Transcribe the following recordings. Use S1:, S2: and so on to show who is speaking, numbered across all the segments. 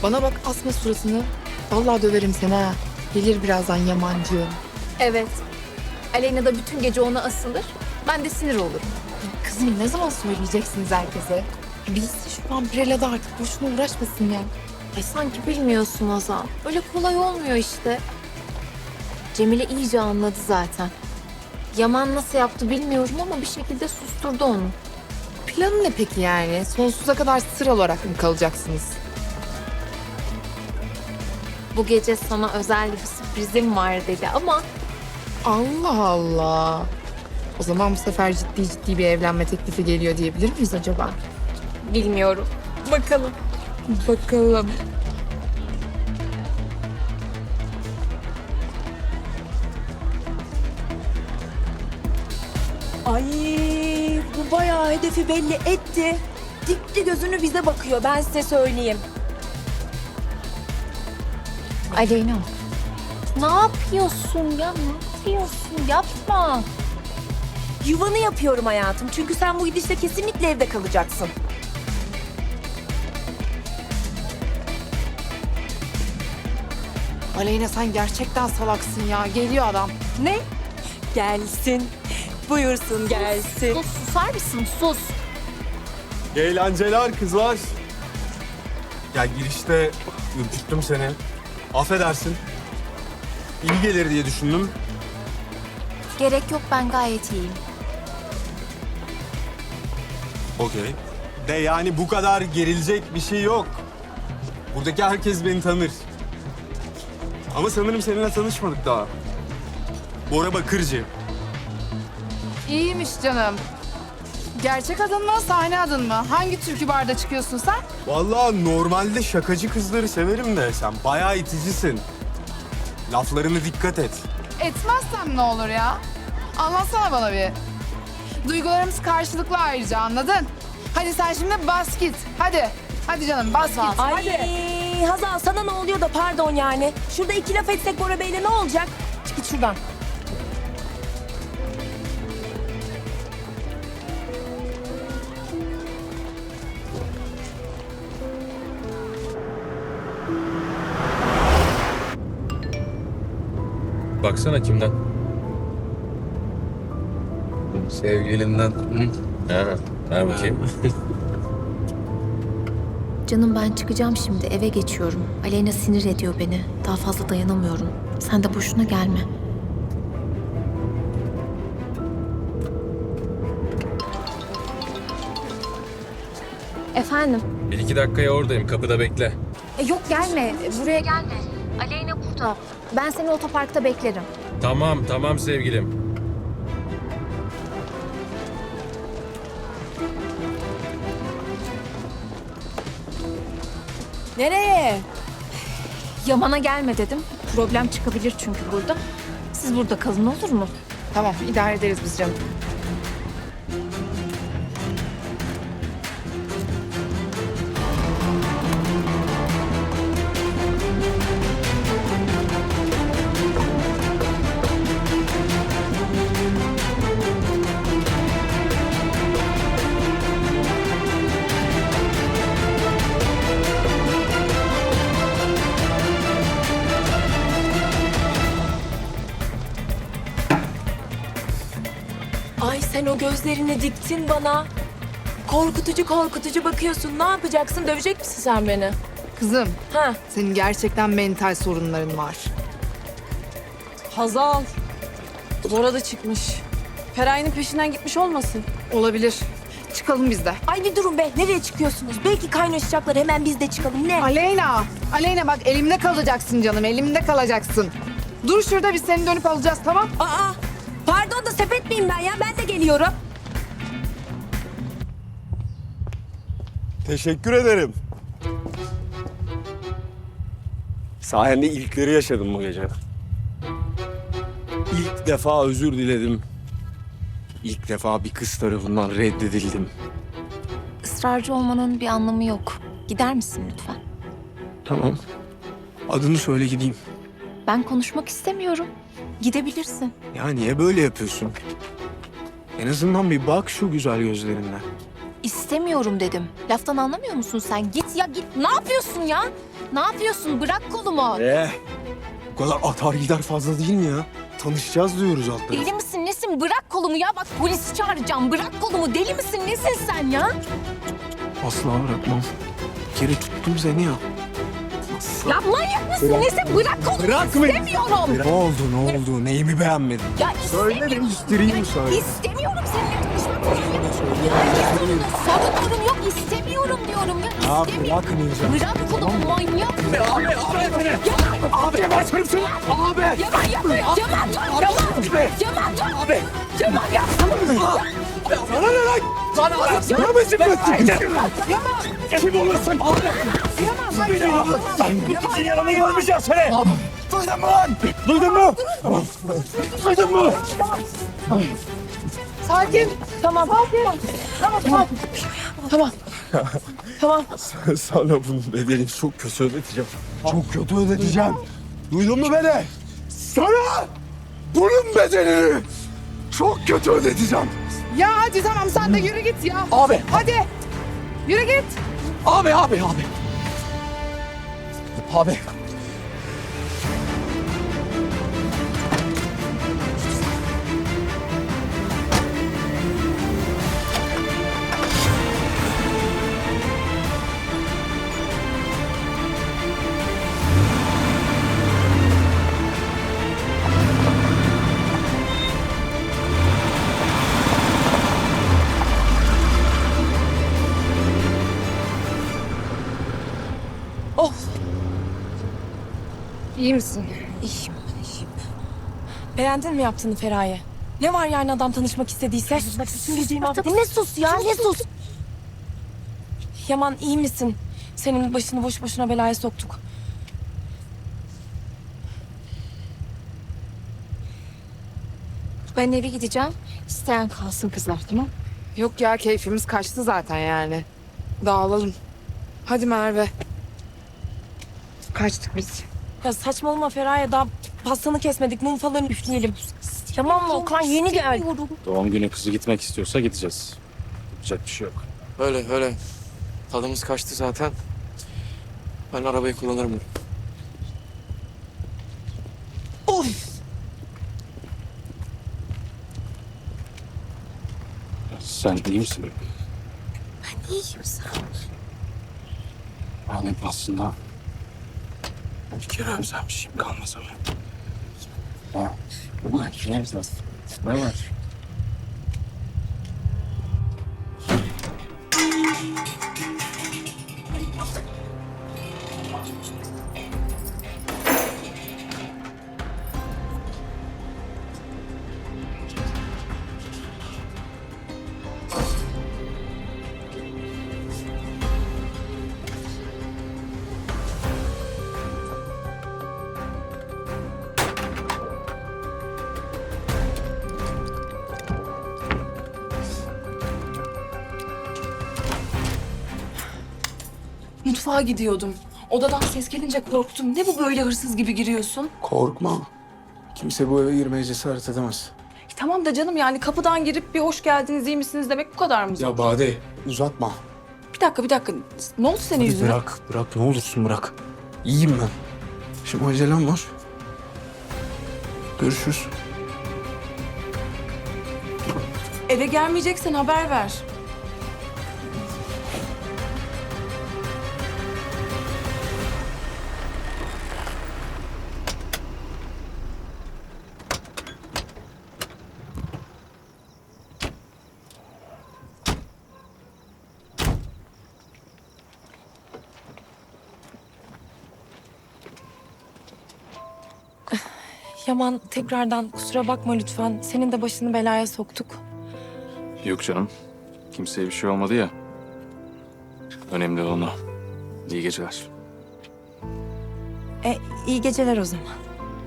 S1: Bana bak, asma suratını. Vallahi döverim seni ha. Gelir birazdan Yamancığım.
S2: Evet. Aleyna da bütün gece ona asılır. Ben de sinir olurum.
S1: Kızım ne zaman söyleyeceksiniz herkese? Bilsin şu an Pirela'da artık boşuna uğraşmasın ya.
S2: Ay sanki bilmiyorsun Hazal. Öyle kolay olmuyor işte. Cemile iyice anladı zaten. Yaman nasıl yaptı bilmiyorum ama bir şekilde susturdu onu.
S1: Planı ne peki yani? Sonsuza kadar sır olarak mı kalacaksınız?
S2: Bu gece sana özel bir sürprizim var dedi ama
S1: Allah Allah. O zaman bu sefer ciddi bir evlenme teklifi geliyor diyebilir miyiz acaba?
S2: bilmiyorum. Bakalım.
S1: Bakalım.
S3: Ay bu bayağı hedefi belli etti. Dikti gözünü bize bakıyor, ben size söyleyeyim.
S2: Aleyna. Ne yapıyorsun ya? Ne yapıyorsun? Yapma.
S3: Yuvanı yapıyorum hayatım. Çünkü sen bu gidişle kesinlikle evde kalacaksın.
S1: Aleyna sen gerçekten salaksın ya. Geliyor adam.
S3: Ne? Gelsin. Buyursun gelsin.
S2: Sus, susar mısın? Sus.
S4: Eğlenceler kızlar. Ya girişte ürküttüm seni. Affedersin. İyi gelir diye düşündüm.
S2: Gerek yok, ben gayet iyiyim.
S4: Okey. De yani bu kadar gerilecek bir şey yok. Buradaki herkes beni tanır. Ama sanırım seninle tanışmadık daha. Bora Bakırcı.
S1: İyiymiş canım. Gerçek adın mı, sahne adın mı? Hangi türkü barda çıkıyorsun sen?
S4: Vallahi normalde şakacı kızları severim de sen bayağı iticisin. Laflarına dikkat et.
S1: Etmezsem ne olur ya? Anlatsana bana bir. Duygularımız karşılıklı ayrıca, anladın? Hadi sen şimdi bas git. Hadi. Hadi canım bas git.
S3: Ay
S1: Hadi.
S3: Hazal sana ne oluyor da pardon yani. Şurada iki laf etsek Bora Bey'le ne olacak? Çık git şuradan.
S5: Baksana kimden? Sevgilinden. Hı? Ha, ver bakayım.
S2: Canım ben çıkacağım şimdi, eve geçiyorum. Aleyna sinir ediyor beni. Daha fazla dayanamıyorum. Sen de boşuna gelme. Efendim?
S5: Bir iki dakikaya oradayım. Kapıda bekle.
S2: Yok gelme, buraya gelme. Aleyna burada. Ben seni otoparkta beklerim.
S5: Tamam sevgilim.
S3: Nereye?
S2: Yaman'a gelme dedim. Problem çıkabilir çünkü burada. Siz burada kalın, olur mu?
S1: Tamam, idare ederiz biz canım.
S3: Ay sen o gözlerini diktin bana. Korkutucu bakıyorsun. Ne yapacaksın? Dövecek misin sen beni?
S1: Kızım,
S3: Ha?
S1: senin gerçekten mental sorunların var.
S6: Hazal. Bora da çıkmış. Feraye'nin peşinden gitmiş olmasın?
S1: Olabilir. Çıkalım biz de.
S3: Ay bir durun be. Nereye çıkıyorsunuz? Belki kaynaşacaklar. Hemen biz de çıkalım. Ne?
S1: Aleyna bak, elimde kalacaksın canım, elimde kalacaksın. Dur şurada, biz seni dönüp alacağız, tamam?
S3: Aa! Pardon da sepet miyim ben ya? Ben de geliyorum.
S4: Teşekkür ederim. Sayende ilkleri yaşadım bu gece. İlk defa özür diledim. İlk defa bir kız tarafından reddedildim.
S2: Israrcı olmanın bir anlamı yok. Gider misin lütfen?
S4: Tamam. Adını söyle gideyim.
S2: Ben konuşmak istemiyorum. Gidebilirsin.
S4: Ya niye böyle yapıyorsun? En azından bir bak şu güzel gözlerinden.
S2: İstemiyorum dedim. Laftan anlamıyor musun sen? Git ya git. Ne yapıyorsun ya? Ne yapıyorsun? Bırak kolumu.
S4: Bu kadar atar gider fazla değil mi ya? Tanışacağız diyoruz alt tarafı.
S2: Deli misin nesin? Bırak kolumu ya. Bak polisi çağıracağım. Bırak kolumu. Deli misin nesin sen ya?
S4: Asla bırakmam. Bir kere tuttum seni ya. Asla.
S2: Ya manyak mısın nesin? Bırak kolumu.
S4: Bırak beni.
S2: İstemiyorum.
S4: Ne oldu ne oldu? Neyimi beğenmedin?
S2: Ya
S4: Söyle
S2: istemiyorum.
S4: değiştireyim söyle.
S2: İstemiyorum seninle tanışmak. Sorunlarım yok. İstemiyorum diyorum ya.
S4: Ya
S2: İstemiyorum.
S4: bırakmayacağım.
S2: Bırak kolumu manyak.
S4: Abi başlarım seni. Abi.
S2: Yaman yapma. Yaman dur. Yaman dur.
S4: Abi.
S2: Yaman yapma.
S4: Sana ne lan? Sana mı zıplattın? Kim olursun? Sen yanına görmeyeceğim seni. Duydun mu lan? Duydun mu? Duydun mu?
S1: Sakin.
S6: Tamam. Tamam.
S4: Sana bunun bedelini çok kötü ödeteceğim. Çok kötü ödeteceğim. Duydun mu beni? Sana bunun bedelini çok kötü ödeteceğim.
S1: Ya hadi tamam sen de yürü git ya.
S4: Abi.
S1: Hadi. Yürü git.
S4: Abi. Abi.
S6: İyi misin?
S3: İyiyim. Beğendin mi yaptığını Feraye? Ne var yani adam tanışmak istediyse? Bak bütün geceyi
S2: Ne sus ya ne sus.
S3: Yaman iyi misin? Senin başını boş boşuna belaya soktuk.
S2: Ben eve gideceğim. İsteyen kalsın kızlar tamam.
S1: Yok ya keyfimiz kaçtı zaten yani. Dağılalım. Hadi Merve. Kaçtık biz.
S3: Ya saçmalama Feraye, daha pastanı kesmedik, mum falan üfleyelim. Tamam mı Okan, yeni gel.
S7: Doğum günü kızı gitmek istiyorsa gideceğiz. Yapacak bir şey yok.
S8: Öyle. Tadımız kaçtı zaten. Ben arabayı kullanırım.
S7: Sen iyi misin?
S2: İyiyim sağ ol.
S7: Yani aslında bir kere özlemişim kalmaz ama. Ha. Ulan ne var?
S6: Mutfağa gidiyordum. Odadan ses gelince korktum. Ne bu böyle hırsız gibi giriyorsun?
S4: Korkma. Kimse bu eve girmeye cesaret edemez.
S6: Tamam da canım yani kapıdan girip bir hoş geldiniz, iyi misiniz demek bu kadar mı?
S4: Ya Bade uzatma.
S6: Bir dakika. Ne oldu senin
S4: Hadi
S6: yüzüne?
S4: bırak ne olursun bırak. İyiyim ben. Şimdi acelem var. Görüşürüz.
S6: Eve gelmeyeceksen haber ver.
S3: Yaman, tekrardan kusura bakma lütfen. Senin de başını belaya soktuk.
S7: Yok canım. Kimseye bir şey olmadı ya. Önemli olan o. İyi geceler.
S3: İyi geceler o zaman.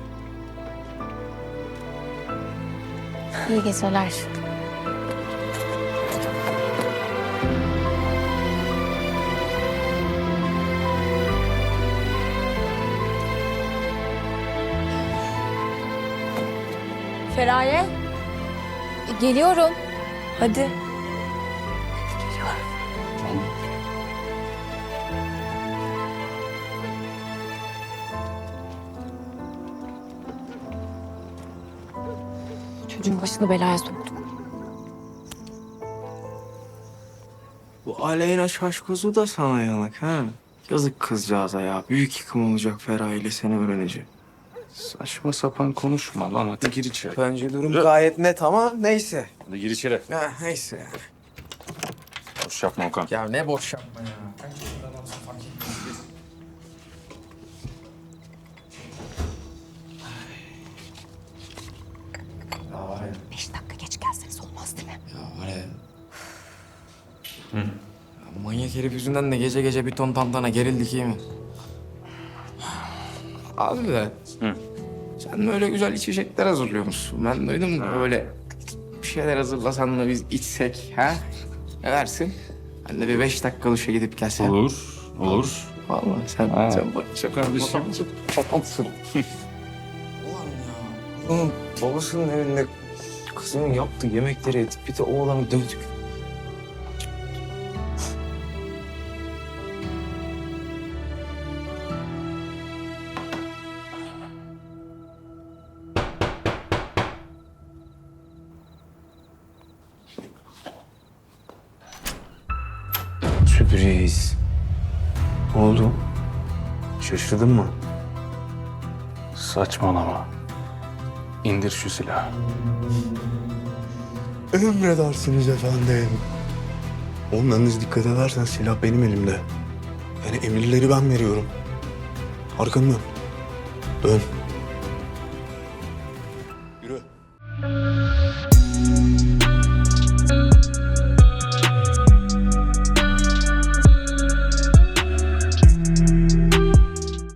S2: İyi geceler.
S3: Feraye,
S2: Geliyorum.
S3: hadi.
S2: Çocuğun başını belaya soktum.
S8: Bu Aleyna Şaşkozu da sana yanak ha. Yazık kızcağıza ya. Büyük yıkım olacak Feraye ile seni öğrenince.
S7: Saçma sapan konuşma lan. Hadi gir içeri.
S8: Bence durum gayet net ama neyse.
S7: Hadi gir içeri.
S8: Ha, neyse.
S7: Boş yapma Okan.
S8: Ya ne boş yapma ya.
S2: 5 dakika geç gelseniz olmaz değil mi?
S8: Ya var ya. Ya manyak herif yüzünden de gece gece bir ton tantana gerildik iyi mi? Abi be. Sen böyle güzel içecekler hazırlıyormuşsun. Ben duydum da böyle bir şeyler hazırlasan da biz içsek ha? Ne dersin? Ben de bir 5 dakika duşa gidip gelsem.
S7: Olur. Olur.
S8: Vallahi sen bak
S7: Çok kardeşim.
S8: Ulan ya. Onun babasının evinde kızının yaptığı yemekleri yedik. Bir de oğlanı dövdük. Sürpriz. Ne oldu? Şaşırdın mı?
S7: Saçmalama. İndir şu silahı.
S4: Emredersiniz efendim. Onlarınız dikkat edersen silah benim elimde. Yani emirleri ben veriyorum. Arkanı dön. Dön. Yürü.